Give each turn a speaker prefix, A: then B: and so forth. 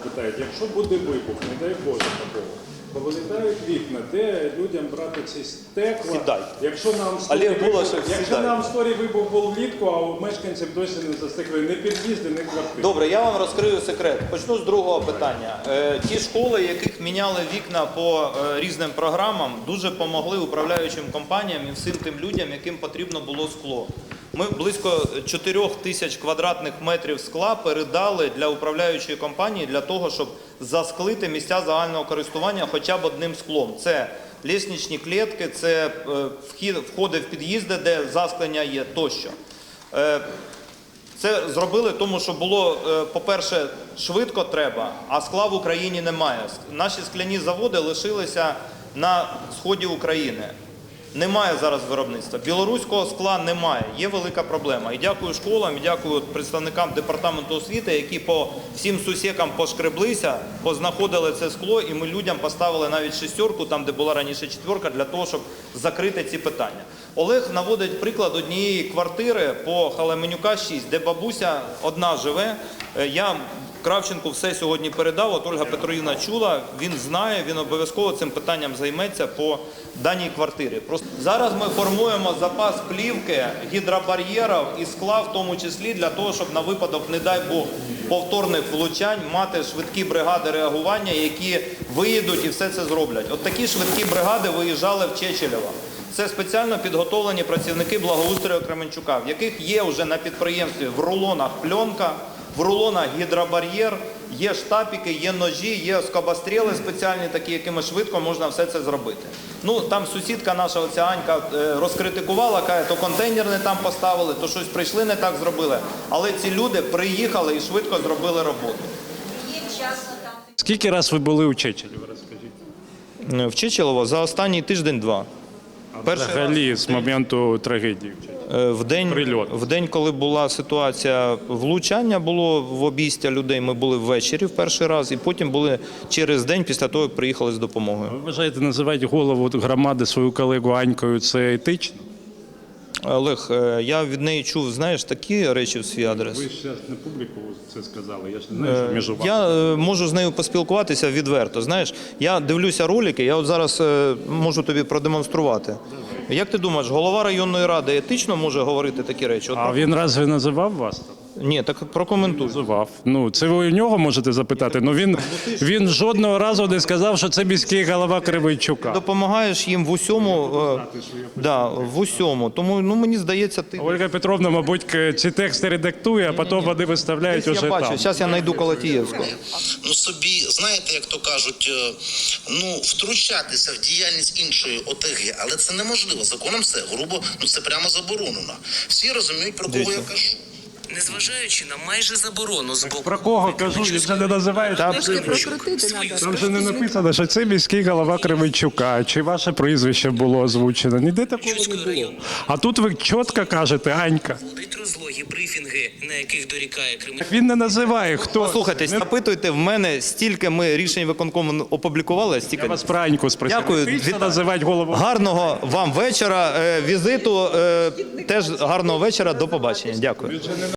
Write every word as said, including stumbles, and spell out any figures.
A: питають, якщо буде вибух, не дай Боже такого, то вилітають вікна, де людям брати ці стекла,
B: Сідай.
A: якщо нам
B: Олег
A: сторі
B: Булашев,
A: вибух, якщо
B: сідай.
A: нам сторі вибух був влітку, а у мешканців досі не застекли ні під'їзди, ні квартири.
B: Добре, я вам розкрию секрет. Почну з другого питання. Е, ті школи, яких міняли вікна по е, різним програмам, дуже допомогли управляючим компаніям і всім тим людям, яким потрібно було скло. Ми близько чотирьох тисяч квадратних метрів скла передали для управляючої компанії для того, щоб засклити місця загального користування хоча б одним склом. Це лісничні клітки, це е, вхід, входи в під'їзди, де засклення є, тощо. Е, Це зробили тому, що було, по-перше, швидко треба, а скла в Україні немає. Наші скляні заводи лишилися на сході України. Немає зараз виробництва. Білоруського скла немає. Є велика проблема. І дякую школам, і дякую представникам департаменту освіти, які по всім сусікам пошкреблися, познаходили це скло, і ми людям поставили навіть шестерку, там, де була раніше четверка, для того, щоб закрити ці питання. Олег наводить приклад однієї квартири по Халеменюка шість, де бабуся одна живе. Я Кравченку все сьогодні передав, от Ольга Петрівна чула, він знає, він обов'язково цим питанням займеться по даній квартирі. Просто зараз ми формуємо запас плівки, гідробар'єрів і скла, в тому числі для того, щоб на випадок, не дай Бог, повторних влучань мати швидкі бригади реагування, які виїдуть і все це зроблять. От такі швидкі бригади виїжджали в Чечелєво. Це спеціально підготовлені працівники благоустрою Кременчука, в яких є вже на підприємстві в рулонах пленка, в рулонах гідробар'єр, є штапіки, є ножі, є скобостріли спеціальні такі, якими швидко можна все це зробити. Ну, там сусідка наша, оця Анька, розкритикувала, каже, то контейнер не там поставили, то щось прийшли, не так зробили. Але ці люди приїхали і швидко зробили роботу.
A: Скільки раз ви були у Чечелєво, розкажіть?
B: В Чечелєво за останній тиждень-два.
A: Перший взагалі раз з моменту трагедії.
B: В день, в день, коли була ситуація влучання, було в обійстя людей, ми були ввечері в перший раз, і потім були через день після того, як приїхали з допомогою.
A: Ви вважаєте, називати голову громади свою колегу Анькою – це етично?
B: Олег, я від неї чув, знаєш, такі речі в свій адрес.
A: Ви ж зараз на публіку це сказали, я ж не знаю, що між вами.
B: Я можу з нею поспілкуватися відверто, знаєш. Я дивлюся ролики, я от зараз можу тобі продемонструвати. Як ти думаєш, голова районної ради етично може говорити такі речі? От,
A: а він разве називав вас?
B: Ні, так прокоментуй.
A: Називав. Ну, це ви у нього можете запитати, але він, він жодного разу не сказав, що це міський голова Кременчука.
B: Допомагаєш їм в усьому, е, да, в усьому. Тому, ну, мені здається, ти...
A: Ольга Петровна, мабуть, ці тексти редактує, а потім вони виставляють уже
B: я бачу,
A: там.
B: зараз я знайду Колотієвського.
C: Ну собі, знаєте, як то кажуть, ну, втручатися в діяльність іншої ОТГ, але це неможливо. Законом це грубо, ну це прямо заборонено. Всі розуміють, про кого я кажу.
D: Незважаючи на майже заборону з боку...
A: Про кого кажу, він вже не називає.
B: Та,
A: Там же не написано, що це міський голова Кременчука, чи ваше прізвище було озвучено. Ніде такого не було. А тут ви чітко кажете, Анька.
D: Водить розлогі брифінги, на яких дорікає Кременчук.
A: Він не називає, хто.
B: Послухайте, запитуйте, в мене стільки ми рішень виконкому опублікували, стільки...
A: Я вас про Аньку спросив.
B: Дякую.
A: Від... називати голову.
B: Гарного вам вечора, е, візиту, е, теж гарного вечора, до побачення. Дякую.